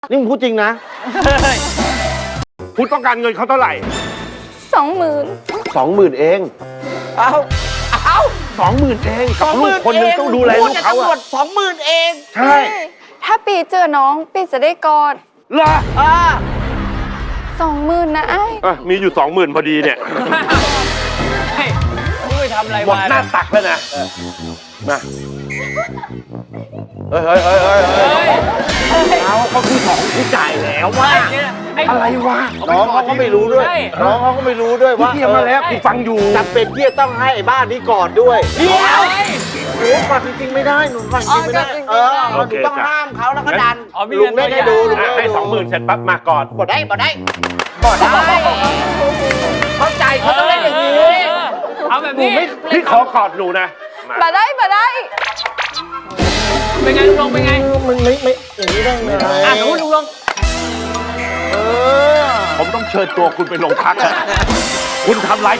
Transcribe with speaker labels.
Speaker 1: นี่มึงพูดจริงนะ
Speaker 2: คุณต้องการเงินเขาเท่าไหร่
Speaker 3: 20,000
Speaker 1: 20,000เอง
Speaker 4: เอา
Speaker 1: 20,000เองกับลูกคนหนึงต้องดูแลลูกเขา
Speaker 4: ตำรว
Speaker 1: อะ
Speaker 4: จ20,000เอง
Speaker 1: ใช่
Speaker 3: ถ้าปีเจอน้องปีจะได้กอด
Speaker 1: เหรอ
Speaker 3: 20,000นะไอ้
Speaker 2: อ่ะมีอยู่ 20,000พอดีเนี่ย
Speaker 4: เฮ้ยมึงไปทำอะไร
Speaker 2: หมด
Speaker 4: มา
Speaker 2: หน้าตักแล้วนะมา
Speaker 1: เฮ้ยเขาคือของที่จ่ายแล้วว่า อะไรวะน้องเขาก็ไม่รู้ด้วย น้องเขาก็ไม่รู้ด้วยว่า
Speaker 2: เทียมมาแล้วกูฟังอยู่
Speaker 1: จำเป็นที่จะต้องให้ไอ้บ้านนี้ก่อนด้วยเดี๋ยวหนูก่อนจริงๆไม่ได้หนูก่อนจริงๆไม่ได้หนูต้องห้ามเขาแล้วก็ดันลุงเล่นให้ดูลุงเล่น
Speaker 2: ให้ 20,000เสร็จปั๊บมาก่อน
Speaker 1: บ่ได้เข้าใจเขาต้องเล่นอย่างนี้
Speaker 4: เอาแบบ
Speaker 2: หนู
Speaker 4: นี้
Speaker 2: ไม่พี่ขอกอดหนูนะมา
Speaker 3: บ่ได้
Speaker 4: เป็นไงลุงลงเป็นไง
Speaker 1: มันไม่อย่างนี้ได้ไง
Speaker 4: สมมติลุงลง
Speaker 2: ผมต้องเชิญตัวคุณไปโรงพักคุณทำร้าย